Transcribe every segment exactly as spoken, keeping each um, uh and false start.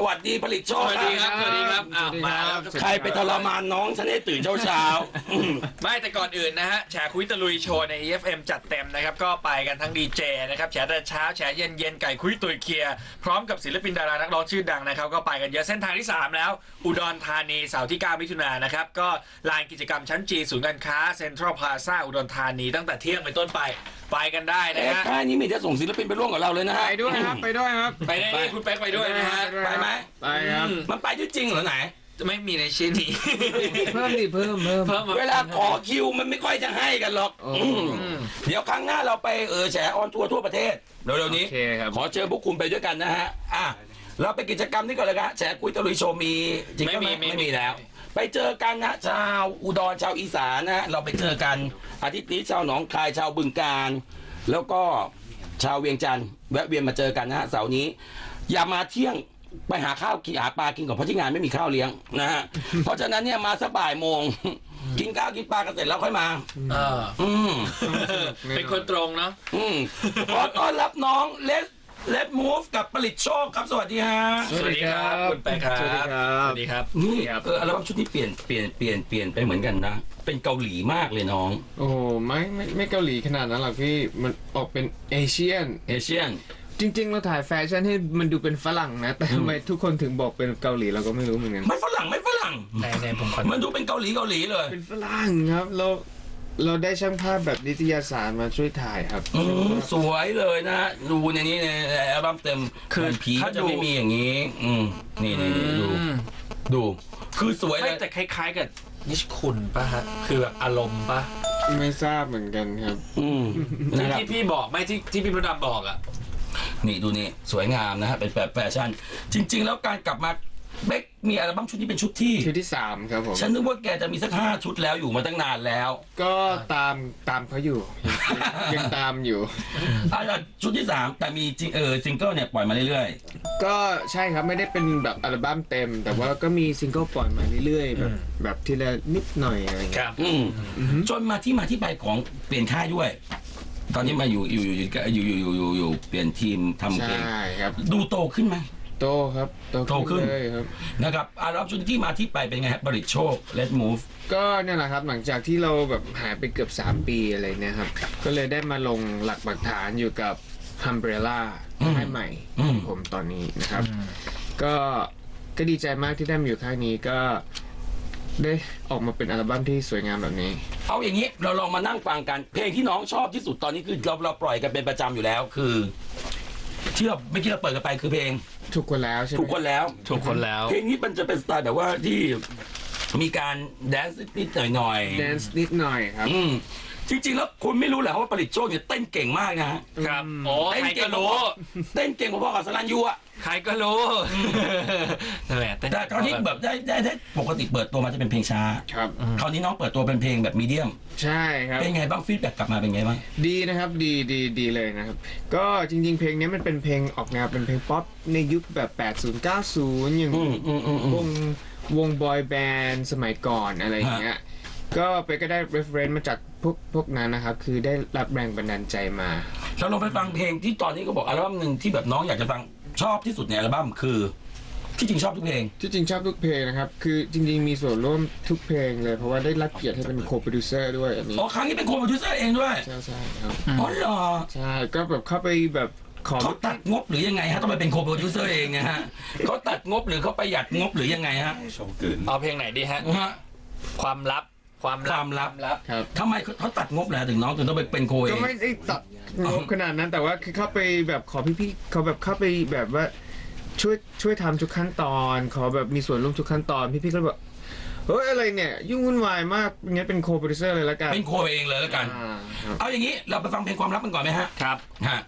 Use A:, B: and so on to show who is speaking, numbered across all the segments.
A: วัสดีผลิตโชค
B: สวัสดีครับสวัสดีครับอ้าวมาแล้ว
A: ใครไปทรมานน้องฉันให้ตื่นเช้าเช้า
B: ไม่แต่ก่อนอื่นนะฮะแฉคุยตะลุยโชว์ใน อี เอฟ เอ็ม จัดเต็มนะครับก็ไปกันทั้งดีเจนะครับแฉแต่เช้าแฉเย็นเย็นไก่คุยตุยเคลียร์พร้อมกับศิลปินดารานักร้องชื่อดังนะครับก็ไปกันเยอะเส้นทางที่สามแล้วอุดรธานีเสาร์ที่เก้ามิถุนายนนะครับก็ลานกิจกรรมชั้นจีศูนย์การค้าเซ็นทรัลพลาซ่าอุดรธานีตั้งแต่เที่ยงเป็นต้นไปไปกันได้นะฮะ
A: ค่ายนี้มีจะส่งศิลปินไปร่วมกับเราเลยนะฮะ
C: ไปด้วยครับไปด้วยครับ
B: ไปได้คุณเป๊กไปด้วยนะฮะ
A: ไปไหม
C: ไปครับ
A: มันไปจริงเหรอไหน
B: ไม่มีในชื่อนี้
C: เพิ่มดิเพิ่มเพิ่ม
A: เวลาขอคิวมันไม่ค่อยจะให้กันหรอกเดี๋ยวครั้งหน้าเราไปเออแฉออนทัวร์ทั่วประเทศเร็วๆนี้ขอเชิญพวกคุณไปด้วยกันนะฮะอ่ะเราไปกิจกรรมนี้ก่อนเลยครับแฉคุยตะลุยโชว์มีจริงไหมไม่มีแล้วไปเจอกันนะชาวอุดรชาวอีสานนะเราไปเจอกันอาทิตย์นี้ชาวหนองคายชาวบึงกาฬแล้วก็ชาวเวียงจันทร์แวะเวียนมาเจอกันนะฮะเสาร์นี้อย่ามาเที่ยงไปหาข้าวกินหาปลากินก่อนเพราะที่งานไม่มีข้าวเลี้ยงนะฮะเพราะฉะนั้นเนี่ยมาสักบ่ายโมงกินข้าวกินปลากันเสร็จแล้วค่อยมา
B: เอออืมเป็นคนตรงเนาะ
A: อืมขอต้อนรับน้องเลสเลสมูฟกับผลิตโชคครับสวัสดีฮะ
B: สวัสดีครับคุณแป๊กครับสวัสดีครับสวัสดีครับ
A: นี่เอออัลบั้มชุดนี้เปลี่ยนเปลี่ยนเปลี่ยนเปลี่ยนไปเหมือนกันนะเป็นเกาหลีมากเลยน้อง
C: โอ้ไม่ไม่ไม่เกาหลีขนาดนั้นหรอกพี่มันออกเป็นเอเชียน
A: เอเชียน
C: จริงๆเราถ่ายแฟชั่นให้มันดูเป็นฝรั่งนะแต่ทำไมทุกคนถึงบอกเป็นเกาหลีเราก็ไม่รู้เหมือนกัน
A: ไม่ฝรั่งไม่ฝรั่ง
B: ในในผม
A: มันดูเป็นเกาหลีเกาหลีเลย
C: เป็นฝรั่งครับเราเราได้ช่างภาพแบบนิตยสารมาช่วยถ่ายครับ
A: สวยเลยนะดูในนี้ในอัลบั้มเต็มคือผีก็จะไม่มีอย่างนี้อืมนี่นี่ดูดูคือสวยเลย
B: แต่คล้ายๆกับนิชคุณป่ะฮะคือแบบอารมณ์ป่ะ
C: ไม่ทราบเหมือนกันครับ
A: อืม
B: ที่พี่บอกไม่ที่ที่พี่พระดำบอกอ่ะ
A: นี่ดูนี่สวยงามนะฮะเป็นแบบแฟชั่นจริงๆแล้วการกลับมาเบคมีอัลบั้มชุดนี้เป็นชุดที่
C: ชุดที่สามครับผม
A: ฉันนึกว่าแกจะมีสักห้าชุดแล้วอยู่มาตั้งนานแล้ว
C: ก็ตามตามเขาอยู่ยังตามอยู่
A: อ่ะชุดที่สามแต่มีจริงเออซิงเกิลเนี่ยปล่อยมาเรื่อย
C: ๆก็ใช่ครับไม่ได้เป็นแบบอัลบั้มเต็มแต่ว่าก็มีซิงเกิลปล่อยมาเรื่อยๆแบบแบบทีละนิดหน่อยอะไรอย่างเงี้ย
A: จนมาที่มาที่ไปของเปลี่ยนค่ายด้วยตอนนี้มาอยู่อยู่อยู่อยู่อยู่อยู่อยู่เปลี่ยนทีมทำเพลง
C: ใช่ครับ
A: ดูโตขึ้นไหม
C: โตครับ
A: โตขึ้น
C: เลยครับ
A: นะครับอัลบั้มชุดที่มาที่ไปเป็นไงครับบริโชค Let's Move
C: ก็เนี่ยแหละครับหลังจากที่เราแบบหายไปเกือบสามปีอะไรเนี่ยครับก็เลยได้มาลงหลักปักฐานอยู่กับ Umbrella ค่ายใหม่ผมตอนนี้นะครับก็ก็ดีใจมากที่ได้มาอยู่ค่ายนี้ก็ได้ออกมาเป็นอัลบั้มที่สวยงามแบบนี้
A: เอาอย่างนี้เราลองมานั่งฟังกันเพลงที่น้องชอบที่สุดตอนนี้คือเราเราปล่อยกันเป็นประจำอยู่แล้วคือที่เราไม่คิดเราเปิดกันไปคือเพลง
C: ถูกคนแล้วใช่ไหม
A: ถูกคนแล้ว
B: ถูกคนแล้ว
A: เพลงนี้มันจะเป็นสไตล์แบบว่าที่มีการแดนซ์นิดหน่อย
C: ๆแดนซ์นิดหน่อยครับ
A: อืมจริงๆแล้วคุณไม่รู้แหละว่าผลิตโชคเนี่ยเต้นเก่งมากนะฮะ
B: ครับโอ้ใครก็รู้
A: เต้นเก่งพอๆกับสลันยูอะ
B: ใครก็รู้
A: นั่นแหละแต่คราวนี้แบบได้ได้ได้ปกติเปิดตัวมาจะเป็นเพลงช้า
C: ครับ
A: คราวนี้น้องเปิดตัวเป็นเพลงแบบมีเดียม
C: ใช่ครับ
A: เป็นไงบ้างฟีดแบ็กกลับมาเป็นไงบ้าง
C: ดีนะครับดีดีดีเลยนะครับก็จริงๆเพลงนี้มันเป็นเพลงออกแนวเป็นเพลงป๊อปในยุคแบบแปดสิบ เก้าสิบอย่างวงวงบอยแบนด์สมัยก่อนอะไรอย่างเงี้ยก็ไปก็ได้ reference มาจากพวกพวกนั้นนะครับคือได้รับแรงบันดาลใจมา
A: เราลองไปฟังเพลงที่ตอนนี้ก็บอกอัลบั้มหนึ่งที่แบบน้องอยากจะฟังชอบที่สุดในอัลบั้มคือที่จริงชอบทุกเพลง
C: ที่จริงชอบทุกเพลงนะครับคือจริงๆมีส่วนร่วมทุกเพลงเลยเพราะว่าได้รับเกียรติให้เป็นโคโปรดิวเซอร์ด้วยอันนี้
A: อ๋อครั้งนี้เป็นโคโปรดิวเซอร์เองด้วย
C: ใช่ใช่ครับ
A: อ๋อเหรอ
C: ใช่ก็แบบเข้าไปแบบ
A: เขาตัดงบหรือยังไงฮะต้องไปเป็นโคโปรดิวเซอร์เองนะฮะเขาตัดงบหรือเขาประหยัดงบหรือยังไงฮะ
B: เอาเพลงไหนดีฮะความลับ
A: ความความลับ
C: ครับ
A: ทำไมเขาตัดงบแล้วถึงน้องถึงต้องไปเป็นโคเอง
C: ก็ไม่ได้ตัดงบขนาดนั้นแต่ว่าคือเข้าไปแบบขอพี่ๆเขาแบบเข้าไปแบบว่าช่วยช่วยทำทุกขั้นตอนขอแบบมีส่วนร่วมทุกขั้นตอนพี่ๆก็แบบเฮ้ยอะไรเนี่ยยุ่งวุ่นวายมากงั้นเป็นโคโปรดิวเซอร์เลยแล้วกัน
A: เป็นโคเองเลยแล้วกันเอาอย่างนี้เราไปฟังเพลงความลับกันก่อนไหมฮะ
B: ครับ
A: ฮะ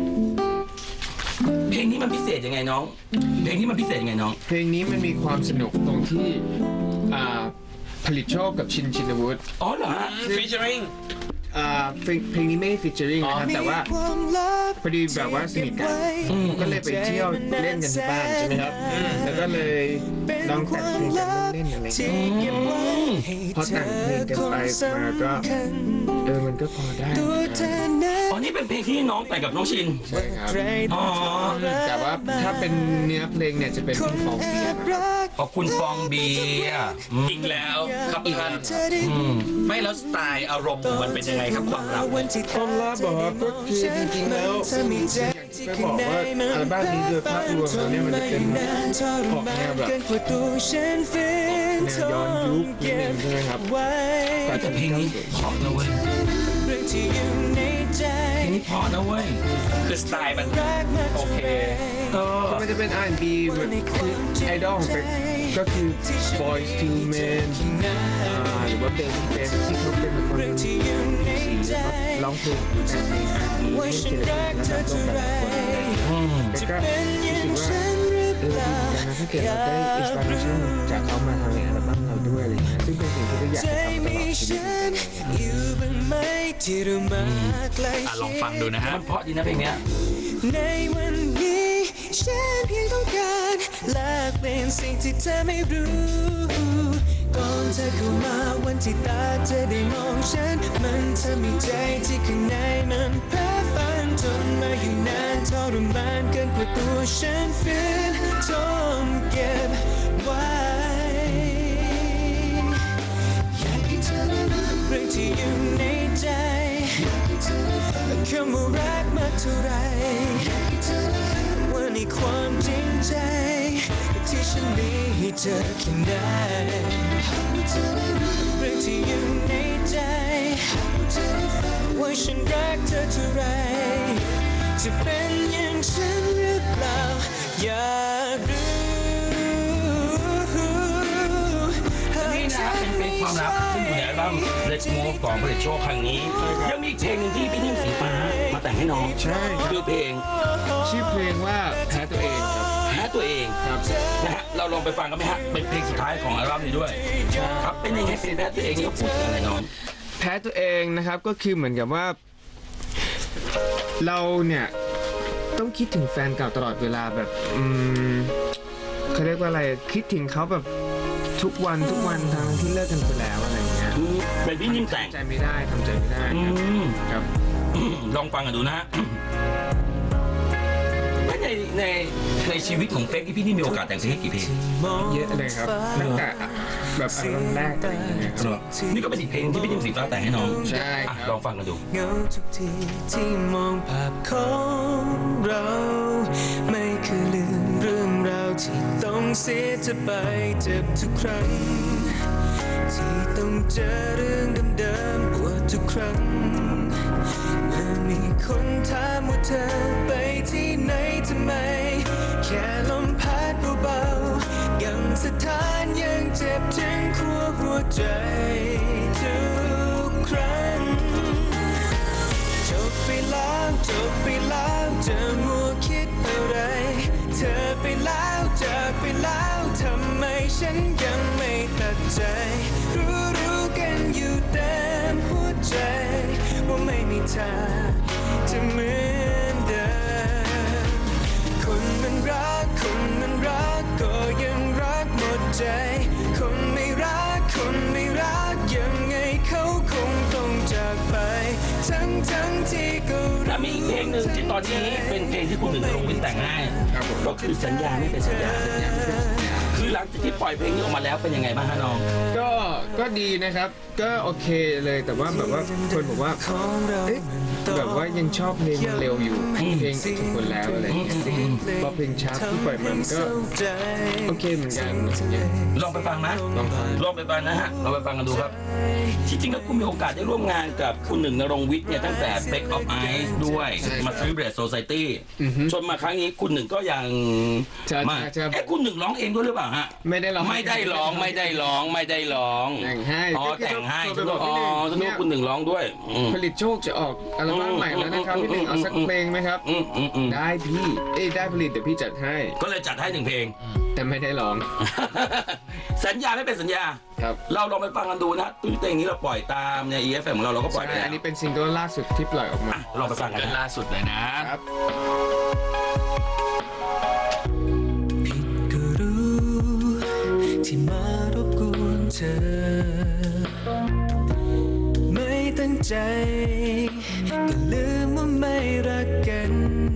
A: เพลงนี้มันพิเศษยังไงน้องเพลงนี้มันพิเศษยังไงน้อง
C: เพลงนี้มันมีความสนุกตรงที่อ่าผลิตโชคกับชินชินวุฒิ
A: อ๋อเหรอฮะ
B: ฟีเจอริง
C: อ่าเพลงนี้ไม่ฟีเจอริงนะครับแต่ว่าพอดีแบบว่าสนิทกันก็เลยไปเที่ยวเล่นกันที่บ้านใช่ไหมครับแล้วก็ก็เลยลองแต่งเพลงกันเล่นๆอะไรอย่างเงี้ยพอแต่งเพลงกันไปมาก็เออมันก็พอได้นะครับ
A: อ๋อนี่เป็นเพลงที่น้องแต่งกับน้องชิน
C: ใช่ครับ
A: อ๋อ
C: แต่ว่าถ้าเป็นเนื้อเพลงเนี่ยจะเป็นพี่ฟองเบียร์นะครับ
A: ขอบคุณฟองเบียร์อืม
B: อีกแล้วครับท่าน
A: อืม
B: ไม่แล้วสไตล์อารมณ์ของมันเป็นยังไงครับความรัก
C: ความลับบอกว่าก็คือจริงๆแล้วอย่างที่ไปบอกว่าอัลบั้มนี้โดยภาพรวมแล้วเนี่ยมันจะเป็นออกแนวแบบแนวย้อนยุคนิดนึงใช่ไหมครับ
A: แต่เพลงนี้เพราะนะเว้ยเพลงนี้เพราะนะเว้ย
B: คือสไตล์มันโอเค
A: เออ
C: มันจะเป็น อาร์ แอนด์ บี แบบคือไอดอลของเป็กก็คือ Boyz two Men อ่าหรือว่า Baby Baby ที่เขาเป็นคนสีแล้วก็ร้องเพลงแต่งเพลง อาร์ แอนด์ บี ให้ศิลปินระดับโลกแต่ละคน
A: อืม
C: แต่ก็รู้สึกว่าเออดีเหมือนกันนะถ้าเกิดเราได้อินสปิเรชันจากเขามาทำในอัลบั้มเราด้วยอะไรอย่างเงี้ยซึ่งเป็นสิ่งที่เราอยากจะทำตลอดชีวิต
B: อ่ะลองฟังดูนะฮะ
A: มันเพราะดีนะเพลงเนี้ย
D: ในวันนี้ฉันเพียงต้องการแลกเป็นสิ่งที่เธอไม่รู้ก่อนเธอเข้ามาวันที่ตาเธอได้มองฉันมันทำให้ใจที่ข้างในมันเพ้อฝันจนมาอยู่นานทรมานเกินกว่าตัวฉันฝืนทนเก็บไว้อยากให้เธอได้รู้เรื่องที่อยู่ในใจคำว่ารักมากเท่าไรว่าในความจริงใจที่ฉันมีให้เธอแค่ไหนเรื่องที่อยู่ในใจว่าฉันรักเธอเท่าไรจะเป็นอย่างฉันหรือเปล่าอยากรู้
A: นี่นะเป็นเพลงความรักที่อยู่ในอัลบั้ม Let's Move ของผลิตโชคครั้งนี้ ยังมีอีกเพลงหนึ่งที่พี่นิ่มสีฟ้ามาแต่งให้น้อง
C: ใช่ครับ
A: คือเพลง
C: ชื่อเพลงว่าแพ้ตัวเองครับ
A: แพ้ตัวเอง
C: ครับ
A: นะฮะเราลองไปฟังกันไหมฮะเป็นเพลงสุดท้ายของอัลบั้มนี้ด้วยครับเป็นยังไงเพลงแพ้ตัวเองนี่เขาพูดถึงอะไรน้อง
C: แพ้ตัวเองนะครับก็คือเหมือนกับว่า เราเนี่ยต้องคิดถึงแฟนเก่าตลอดเวลาแบบอืมเขาเรียกว่าอะไรคิดถึงเขาแบบทุกวันทุกวันทั้งที่เลิกกันไปแล้วอะไรอย่างเงี้ย
A: เป็นพี่นิ่มแต่ง
C: ทำใจไม่ได้ทำใจไม่ได้
A: อื
C: ครับ
A: ม
C: ครับ
A: ลองฟังกันดูนะฮะในในในชีวิตของเป๊กที่พี่นี่มีโอกาสแต่งเพลงกี่เพลง
C: เยอะเลยครับตั้งแต่แบบอัลบั้มแรกอะไรอย่างเงี้ยครับ
A: นี่ก็เป็นอีกเพลงที่พี่นิ่มสีฟ้าแต่งให้น้อง
C: ใช่
A: อ่ะ
C: ครับ
A: ลองฟังกันดู
D: เหงาทุกทีที่มองภาพของเรา ไม่เคยลืมเรื่องราวที่ต้องเสียเธอไปเจ็บทุกครั้ง ที่ต้องเจอเรื่องเดิมๆปวดทุกครั้งเมื่อมีคนถามว่าเธอไปที่ไหนทำไม แค่ลมพัดเบาๆยังสถานยังเจ็บถึงขั้วหัวใจทุกครั้ง จบไปแล้วจบไปแล้วจะมัวคิดอะไร เธอไปแล้วจากไปแล้วทำไมฉันยังไม่ตัดใจ รู้รู้กันอยู่เต็มหัวใจ ว่าไม่มีทางจะเหมือนเดิม คนมันรักคนมันรักก็ยังรักหมดใจ คนไม่รักคนไม่รักยังไงเขาคงต้องจากไป ทั้งทั้งที่ก็
A: แล้วมีอีกเพลงหนึ่งที่ตอนนี้เป็นเพลงที่คุณหนึ่งลงวินแต่งให้ก็คือสัญญาไม่เป็นสัญญาคือหลังจากที่ปล่อยเพลงนี้ออกมาแล้วเป็นยังไงบ้างฮะน้อง
C: ก็ก็ดีนะครับ ก็โอเคเลยแต่ว่าแบบว่าคนบอกว่าเอ๊ะแบบว่ายังชอบเพลงมันเร็วอยู่เพลงทุกคนแล้วอะไรอย่างเงี้ยพอเพลงช้าที่ปล่อยมันก็โอเคเหมือนกันอย่างเงี้ย
A: ลองไปฟังนะ
C: ลองฟัง
A: ลองไปฟังนะฮะลองไปฟังกันดูครับที่จริงแล้วคุณมีโอกาสได้ร่วมงานกับคุณหนึ่งนรงค์วิทย์เนี่ยตั้งแต่ Back of Ice ด้วยมา Celebrate Society จนมาครั้งนี้คุณหนึ่งก็ยัง
C: ใช่
A: มา
C: ใช่
A: เอ๊ะคุณหนึ่งร้องเองด้วยหรือเปล่าฮะ
C: ไม่ได้ร้อง
A: ไม่ได้ร้องไม่ได้ร้องไม่ได้ร้อง
C: แต่งให้
A: อ๋อ
C: ก็คือ
A: แต่งให้
C: โท
A: ฉั
C: ร
A: น
C: ไป
A: ก็
C: บอก
A: อ๋อ
C: พี่หนึ่ง
A: ฉันนึกว่าคุณหนึ่งร้องด้วยอืม
C: ผลิตโชคจะออกอัลบั้มใหม่แล้วนะครับพี่หนึ่งเอาสักเพลงไหมครับ
A: อืมอืมอืม
C: ได้พี่เอ้ยได้ผลิตเดี๋ยวพี่จัดให้
A: ก็เลยจัดให้หนึ่งเพลง
C: แต่ไม่ได้ร้อง
A: สัญญาไม่เป็นสัญญา
C: ครับ
A: เราลองไปฟังกันดูนะตื้อเพลงนี้เราปล่อยตามใน อี เอฟ เอ็ม ของเราเราก็ปล่อยไป
C: ใช่
A: แล้ว
C: อันนี้เป็นซิงเกิลล่าสุดที่ปล่อยออกมา
A: อ่ะลองไปฟังกัน
B: เกิน
A: นะ
B: ล่าสุดเลยนะ
C: ครับ
D: ผิดก็รู้ใจก็ลืมว่าไม่รักกัน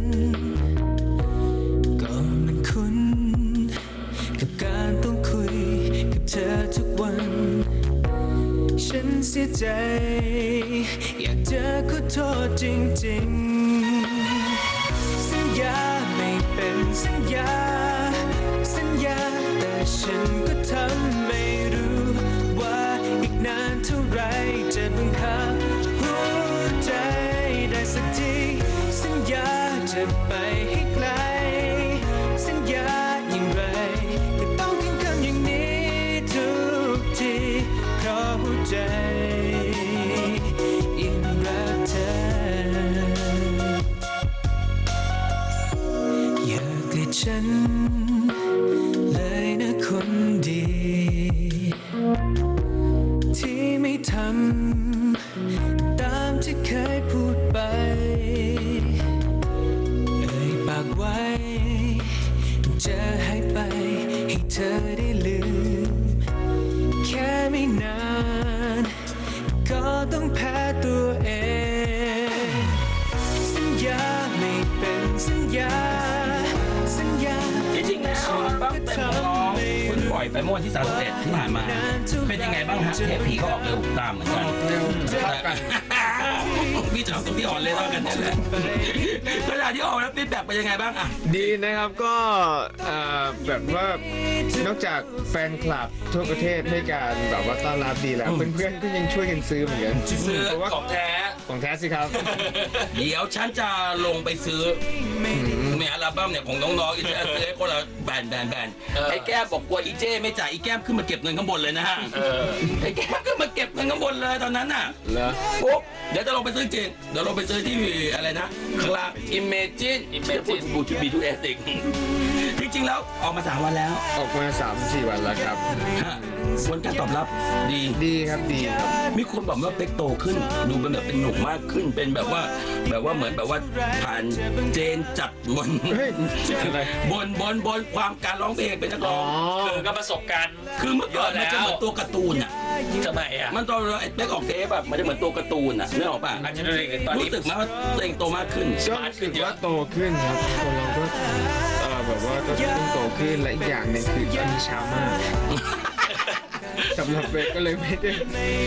D: ก็มันคุ้นกับการต้องคุยกับเธอทุกวันฉันเสียใจอยากจะขอโทษจริงๆสัญญาไม่เป็นสัญญาสัญญาแต่ฉันก็ทำไม่รู้ว่าอีกนานเท่าไรจะบังคับหัวใจได้สักทีสัญญาจะไปให้ไกลสัญญาอย่างไรก็ต้องขึ้นคำอย่างนี้ทุกทีเพราะหัวใจยังรักเธออย่าเกลียดฉันเลยนะคนดีที่ไม่ทำตามที่เคยพูดไปเอ่ยปากไว้จะให้ไปให้เธอได้ลืมแค่ไม่นานก็ต้องแพ้ตัวเองสัญญาไม่เป็นสัญญาสัญญา
A: จริงๆแล้วอัลบั้มเต็มของน้องคุณปล่อยไปเมื่อวันที่สามสิบเอ็ดที่ผ่านมาเป็นยังไงบ้างฮะเทปผีก็ออกเร็วตามเหมือนกัน
C: เร็วเท่ากัน
A: พี่จะเอาตรงที่อ่อนเลยเท่ากันนี่แหละขณะที่ออกแล้วฟีดแบ็กเป็นยังไงบ้างอ่ะ
C: ดีนะครับก็เอ่อแบบว่านอกจากแฟนคลับทั่วประเทศให้การแบบว่าต้อนรับดีแล้วเพื่อนๆก็ยังช่วยกันซื้อเหมือนกัน
B: ซื้อ
C: เพราะว่า
B: ของแท้
C: ของแท้สิครับ
A: เดี๋ยวฉันจะลงไปซื้อเนี่ยอัลบั้มเนี่ยของน้องๆอีจะซื้อให้คนละแบนแบนแบนไอ้แก้มบอกกลัวอีเจ้ไม่จ่ายอีแก้มขึ้นมาเก็บเงินข้างบนเลยนะฮะไอ้แก้มขึ้นมาเก็บเงินข้างบนเลยตอนนั้นน่ะ
C: เหรอ
A: ปุ๊บเดี๋ยวจะลงไปซื้อจริงเดี๋ยวลงไปซื้อที่อะไรนะคลาอิมเมจินอิมเมจินบูทูบีทูเอสติกจริงๆแล้วออกมาสามวันแล้ว
C: ออกมาสามสี่วันแล้วครับ
A: ฮะผลการตอบรับดี
C: ดีครับดีครับ
A: มีคนบอกว่าเป็กโตขึ้นดูเป็นแบบเป็นหนุ่มมากขึ้นเป็นแบบว่าแบบว่าเหมือนแบบว่าผ่านเจนจัดบน
C: เฮ้ยอะไร
A: บนบนบนความการร้องเพลงเป็นนักร้อง
B: คือก็ประสบการณ์
A: คือเมื่อก่อนมันจะเหมือนตัวการ์ตูนอ่ะ
B: ทำไมอ่ะ
A: มันตอนไอ้เป็กออกเทปแบบมันจะเหมือนตัวการ์ตูนอ่ะนึกออกป่ะ
B: อาจจะด้วยตอนนี้
A: รู้สึกไหมว่าตัวเองโตมากขึ้น
C: ก็รู้สึกว่าโตขึ้นครับคนเราก็เออแบบว่าก็ต้องโตขึ้นและอีกอย่างหนึ่งคือตอนนี้เช้ามากสำหรับเบกก็เลยไม่ได้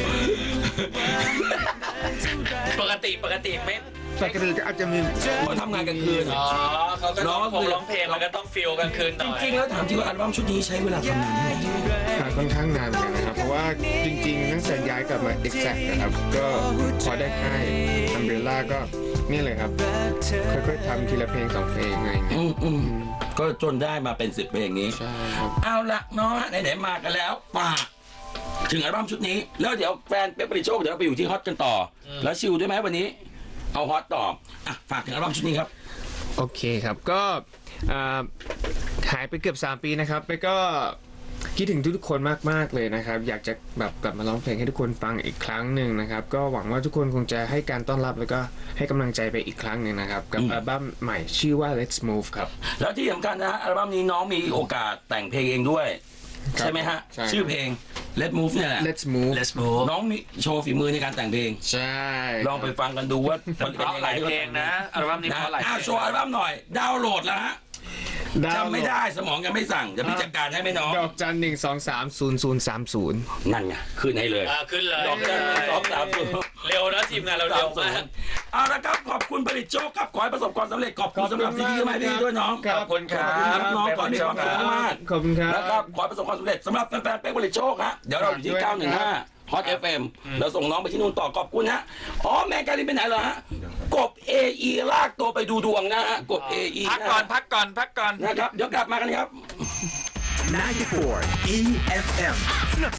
B: ปกติปกติไม่
C: ปกติก็อาจจะมี
A: เขาทำงานกลางคืน
B: อ๋อเขาก็ต้อง
A: ร้องคือ
B: ร้องเพลงมันก็ต้องฟิลกลางคืนหน่อย
A: จริงๆแล้วถามจริงว่าอัลบั้มชุดนี้ใช้เวลาทำนานเท่าไหร่
C: หาค่อนข้างนานเหมือนกันนะครับ เพราะว่าจริงๆตั้งแต่ย้ายกลับมา Exact นะครับ ก็พอได้ค่าย Umbrella ก็นี่เลยครับ ค่อยๆทำทีละเพลงสองเพลงอะไรอย่างเงี้ย
A: อืมอืมก็จนได้มาเป็นสิบเพลงนี้
C: ใช่ครับ
A: เอาละเนาะไหนๆมากันแล้วฝากถึงอัลบั้มชุดนี้ แล้วเดี๋ยวแฟนเป๊ปปริโชคเดี๋ยวเราไปอยู่ที่ฮอตกันต่ออแล้วชิลด้วยไหมวันนี้ เอาฮอตต่ออ่ะฝากถึงอัลบั้มชุดนี้ครับ
C: โอเคครับ ก็อ่าหายไปเกือบสามปีนะครับไปก็คิดถึงทุกๆคนมากๆเลยนะครับ อยากจะแบบกลับมาร้องเพลงให้ทุกคนฟังอีกครั้งหนึ่งนะครับ ก็หวังว่าทุกคนคงจะให้การต้อนรับแล้วก็ให้กำลังใจไปอีกครั้งหนึ่งนะครับ กับอัลบั้มใหม่ชื่อว่า Let's Move ครับ
A: แล้วที่สำคัญนะฮะอัลบั้มนี้น้องมีโอกาสแต่งเพลงเองด้วย
C: ครับ
A: ใช่ไหมฮะ
C: ใช่
A: ชื่อเพลง Let's Move เนี่ยแหละ
C: Let's Move
B: Let's move
A: น้องมีโชว์ฝีมือในการแต่งเพลง
C: ใช่
A: ลองไปฟังกันดูว่ามัน
B: เพ
A: เป็น
B: ราะ
A: ยัง
B: ห
A: ไง
B: ลายเพลงนะอัลบั้มนี้
A: นะ
B: เพราะหลายเพ
A: อ่ะ
B: ลง
A: โชว์อัลบั้มหน่อย ดาวน์โหลดแล้วฮะ
C: ดาวน์โหล
A: จำไม่ได้สมองยังไม่สั่งเดี๋ยวพี่จัดการให้ไหมน้อง
C: ดอกจันหนึ่งสองสามศูนย์ศูนย์สามศูนย์
A: นั่นไงขึ้นให้เลย
B: อ่าขึ้นเลย
A: ดอกจันหนึ่งสองสามศูนย์
B: เร็วนะทีมงานเราเร็วมาก
A: เอาละครับขอบคุณผลิตโชคครับขอให้ประสบความสำเร็จขอบคุณสำหรับซีดีมาให้พี่ด้วยน้อง
C: ครับ
B: ขอบคุณครับ
A: น้องขอให้มีความสุขมาก
C: ขอบคุณครับ
A: นะครับขอให้ประสบความสำเร็จสำหรับแฟนๆเป๊กผลิตโชคฮะเดี๋ยวเราอยู่ที่
C: ด้วย
A: เก้าหนึ่งห้า ฮอต เอฟ เอ็ม เราส่งน้องไปที่นู่นต่อขอบคุณฮะอ๋อแมงการินไปไหนเหรอฮะกบ เอ อี ลากตัวไปดูดวงนะฮะกบ เอ อี
B: พักก่อนพักก่อนพักก่อน
A: นะครับเดี๋ยวกลับมากันครับ
E: ninety-four E F M